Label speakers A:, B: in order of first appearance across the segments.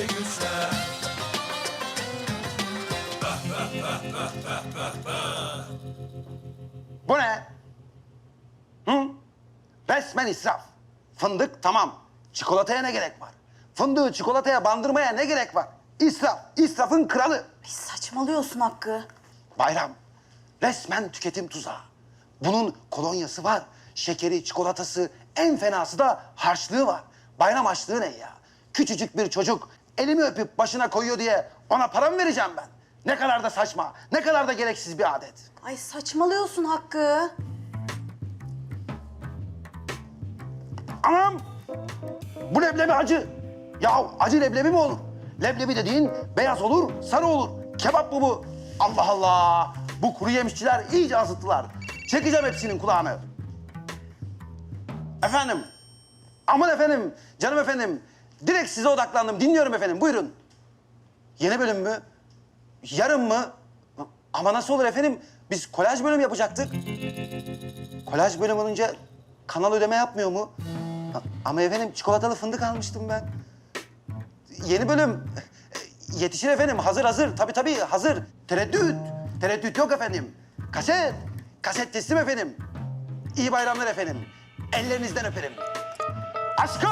A: Bu ne? Hı? Resmen israf. Fındık tamam. Çikolataya ne gerek var? Fındığı çikolataya bandırmaya ne gerek var? İsraf, israfın kralı.
B: Ay saçmalıyorsun Hakkı.
A: Bayram, resmen tüketim tuzağı. Bunun kolonyası var, şekeri, çikolatası, en fenası da harçlığı var. Bayram harçlığı ne ya? Küçücük bir çocuk elimi öpüp başına koyuyor diye ona para mı vereceğim ben? Ne kadar da saçma, ne kadar da gereksiz bir adet.
B: Ay saçmalıyorsun Hakkı.
A: Anam! Bu leblebi acı. Ya acı leblebi mi olur? Leblebi dediğin beyaz olur, sarı olur. Kebap mı bu? Allah Allah! Bu kuru yemişçiler iyice azıttılar. Çekeceğim hepsinin kulağını. Efendim? Aman efendim, canım efendim. Direkt size odaklandım. Dinliyorum efendim, buyurun. Yeni bölüm mü? Yarın mı? Ama nasıl olur efendim? Biz kolaj bölüm yapacaktık. Kolaj bölüm olunca kanal ödeme yapmıyor mu? Ama efendim çikolatalı fındık almıştım ben. Yeni bölüm. Yetişir efendim. Hazır hazır. Tabii hazır. Tereddüt. Tereddüt yok efendim. Kaset. Kaset teslim efendim. İyi bayramlar efendim. Ellerinizden öperim. Aşkım!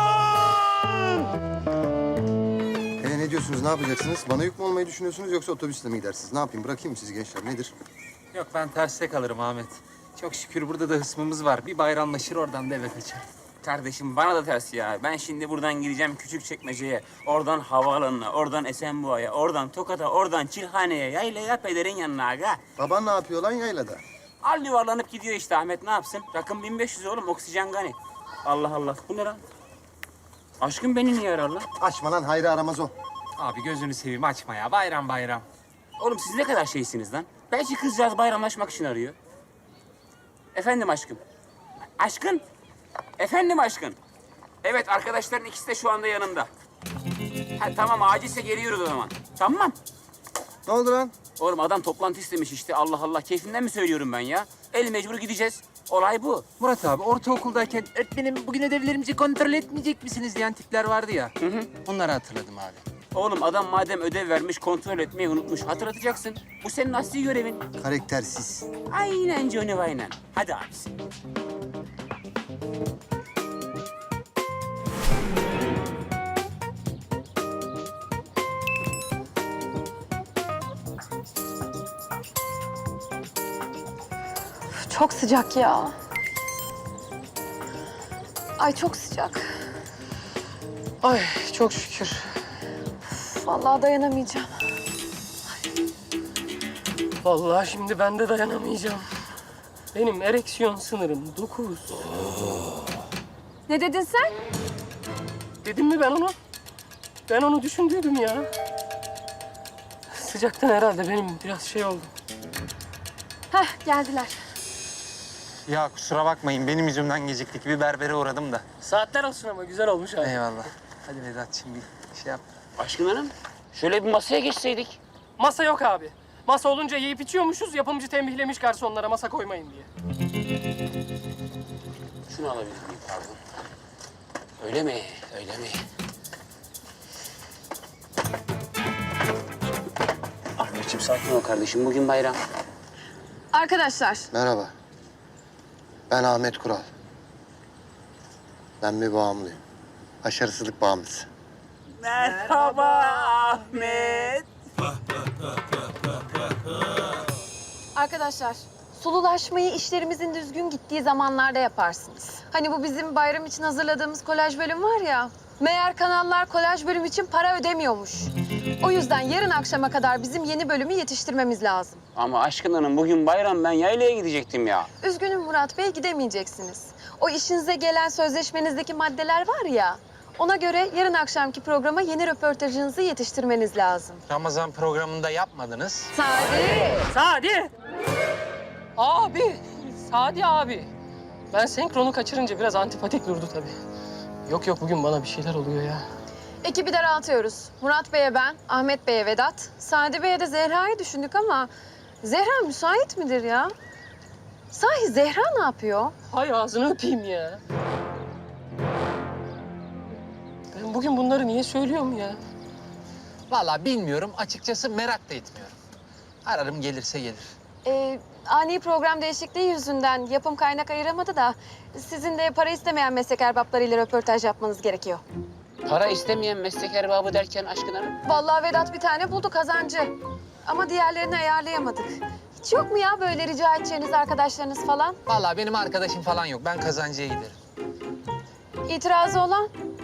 C: Ne diyorsunuz, ne yapacaksınız? Bana yük mü olmayı düşünüyorsunuz yoksa otobüsle mi gidersiniz? Ne yapayım, bırakayım mı sizi gençler, nedir?
D: Yok ben terste kalırım Ahmet. Çok şükür burada da hısmımız var. Bir bayramlaşır oradan da eve kaçar.
E: Kardeşim bana da ters ya. Ben şimdi buradan gideceğim Küçükçekmece'ye, oradan havaalanına, oradan Esenboğa'ya, oradan Tokat'a, oradan Çilhane'ye, yaylaya pederin yanına aga.
C: Baban ne yapıyor lan yaylada?
E: Al yuvarlanıp gidiyor işte Ahmet, ne yapsın? Rakım 1500 oğlum, oksijen gani. Allah Allah, bu ne lan? Aşkım beni niye arar lan?
C: Açma lan, hayrı aramaz o.
D: Abi gözünü seveyim açma ya. Bayram bayram.
E: Oğlum siz ne kadar şeysiniz lan? Belki kızcağız bayramlaşmak için arıyor. Efendim aşkım. Aşkın? Efendim aşkın. Evet, arkadaşların ikisi de şu anda yanımda. Ha, tamam, acilse geliyoruz o zaman. Tamam.
C: Ne oldu lan?
E: Oğlum adam toplantı istemiş işte. Allah Allah, keyfinden mi söylüyorum ben ya? El mecbur gideceğiz. Olay bu.
D: Murat abi ortaokuldayken öğretmenim bugün ödevlerimizi kontrol etmeyecek misiniz diyen tipler vardı ya. Onları hatırladım abi.
E: Oğlum adam madem ödev vermiş, kontrol etmeyi unutmuş. Hatırlatacaksın. Bu senin asli görevin.
C: Karaktersiz.
E: Aynen Johnny aynen. Hadi abisi.
B: Çok sıcak ya. Ay çok sıcak.
F: Ay çok şükür.
B: Vallahi dayanamayacağım.
F: Vallahi şimdi ben de dayanamayacağım. Benim ereksiyon sınırım 9.
B: Ne dedin sen?
F: Dedim mi ben onu? Ben onu düşündüydüm ya. Sıcaktan herhalde benim biraz şey oldu.
B: Heh geldiler.
D: Ya kusura bakmayın benim yüzümden geciktik. Bir berbere uğradım da.
F: Saatler olsun ama güzel olmuş abi.
D: Eyvallah. Hadi Vedat'cığım bir şey yap.
E: Aşkın hanım, şöyle bir masaya geçseydik.
F: Masa yok abi. Masa olunca yiyip içiyormuşuz. Yapımcı tembihlemiş garsonlara masa koymayın diye.
E: Şunu alabilir miyim pardon? Öyle mi? Öyle mi? Ahmetciğim sakin ol kardeşim. Bugün bayram.
B: Arkadaşlar
C: Merhaba. Ben Ahmet Kural. Ben bir bağımlıyım. Başarısızlık bağımlısı.
E: Merhaba Ahmet.
B: Arkadaşlar, sululaşmayı işlerimizin düzgün gittiği zamanlarda yaparsınız. Hani bu bizim bayram için hazırladığımız kolaj bölüm var ya. Meğer kanallar kolaj bölüm için para ödemiyormuş. O yüzden yarın akşama kadar bizim yeni bölümü yetiştirmemiz lazım.
E: Ama aşkın hanım bugün bayram, ben yaylaya gidecektim ya.
B: Üzgünüm Murat Bey, gidemeyeceksiniz. O işinize gelen sözleşmenizdeki maddeler var ya. Ona göre yarın akşamki programa yeni röportajınızı yetiştirmeniz lazım.
D: Ramazan programında yapmadınız.
B: Sadi!
F: Sadi! Abi! Sadi abi! Ben senkronu kaçırınca biraz antipatik durdu tabii. Yok bugün bana bir şeyler oluyor ya.
B: Ekibi daraltıyoruz. Murat Bey'e ben, Ahmet Bey'e Vedat, Sadi Bey'e de Zehra'yı düşündük ama Zehra müsait midir ya? Sahi Zehra ne yapıyor?
F: Hay ağzını öpeyim ya. Ben bugün bunları niye söylüyorum ya?
D: Vallahi bilmiyorum. Açıkçası merak da etmiyorum. Ararım gelirse gelir.
B: Ani program değişikliği yüzünden yapım kaynak ayıramadı da sizin de para istemeyen meslek erbaplarıyla röportaj yapmanız gerekiyor.
E: Para istemeyen meslek erbabı derken Aşkın Hanım?
B: Vallahi Vedat bir tane buldu kazancı. Ama diğerlerini ayarlayamadık. Hiç yok mu ya böyle rica edeceğiniz arkadaşlarınız falan?
D: Vallahi benim arkadaşım falan yok. Ben kazancıya giderim.
B: İtirazı olan?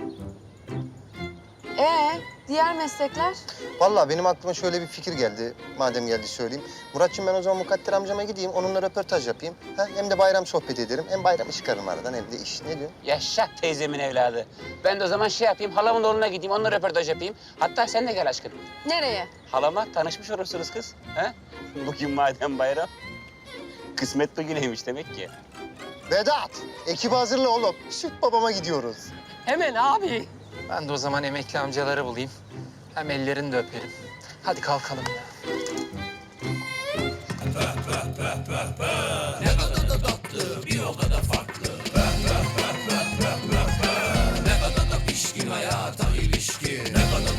B: Diğer meslekler?
C: Vallahi benim aklıma şöyle bir fikir geldi. Madem geldi söyleyeyim. Muratçığım ben o zaman Mukadder amcama gideyim. Onunla röportaj yapayım. Ha? Hem de bayram sohbet ederim. Hem bayramı çıkarım aradan hem de iş. Ne diyorsun?
E: Yaşa teyzemin evladı. Ben de o zaman şey yapayım, halamın oğluna gideyim, onunla röportaj yapayım. Hatta sen de gel Aşkın.
B: Nereye?
E: Halama tanışmış olursunuz kız. Ha? Bugün madem bayram. Kısmet bugüneymiş demek ki.
C: Vedat! Ekibi hazırla oğlum. Süt babama gidiyoruz.
F: Hemen abi.
D: Ben de o zaman emekli amcaları bulayım. Hem ellerini de öperim. Hadi kalkalım ya.
G: Ne kadar da tatlı, bir o kadar